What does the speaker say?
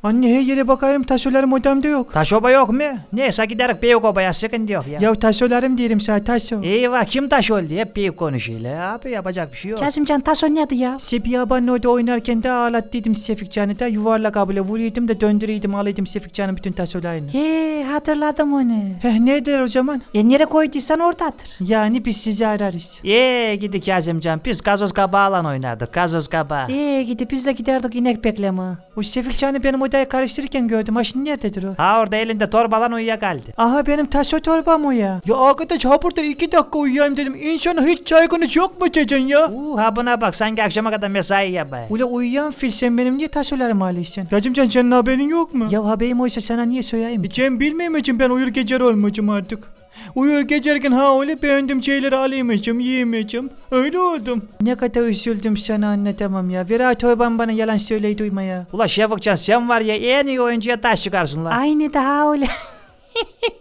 Anne her yere bakarım tasolarım odamda yok. Taş oba yok mu? Neyse giderek büyük obaya sıkıntı yok ya. Ya tasolarım diyelim sana taso. Eyvah kim taş oldu hep büyük konuşuyor abi yapacak bir şey yok. Kazımcan taso neydi ya? Sebi abanın orada oynarken de ağlattıydım Sefikcan'ı da yuvarlak abla vuruyordum da döndürüyordum alaydım Sefikcan'ın bütün tasolarını. He hatırladım onu. Nedir o zaman? Nereye koyduysan oradadır. Yani biz sizi ararız. Gidi Kazımcan biz gazoz kabağıyla oynardık gazoz kabağı. Gidip biz de giderdik inek bekleme. O Sefikcan'ı benim odaya karıştırırken gördüm. Ha şimdi nerededir o? Ha orada elinde torbalan uyuyakaldı. Aha benim taso torbam o ya. Ya arkadaş ha burada 2 dakika uyuyayım dedim. İnsana hiç çaygunuz yok mu Cecan ya? Ha buna bak sanki akşama kadar mesai yapay. Ula uyuyan fil sen benim niye tasolarımı alıyorsun? Yacımcan senin haberin yok mu? Ya haberim oysa sana niye söyleyeyim? Cem bilmeyeceğim ben uyur gecer olmayacağım artık. Uyur geçerken ha öyle beğendim şeyleri alayımacım, yiyemeyeceğim. Öyle oldum. Ne kadar üzüldüm sana anlatamam ya. Vera Torban bana yalan söyleyi duyma ya. Ula Şefikcan sen var ya en iyi oyuncuya taş çıkarsın lan. Aynı daha öyle.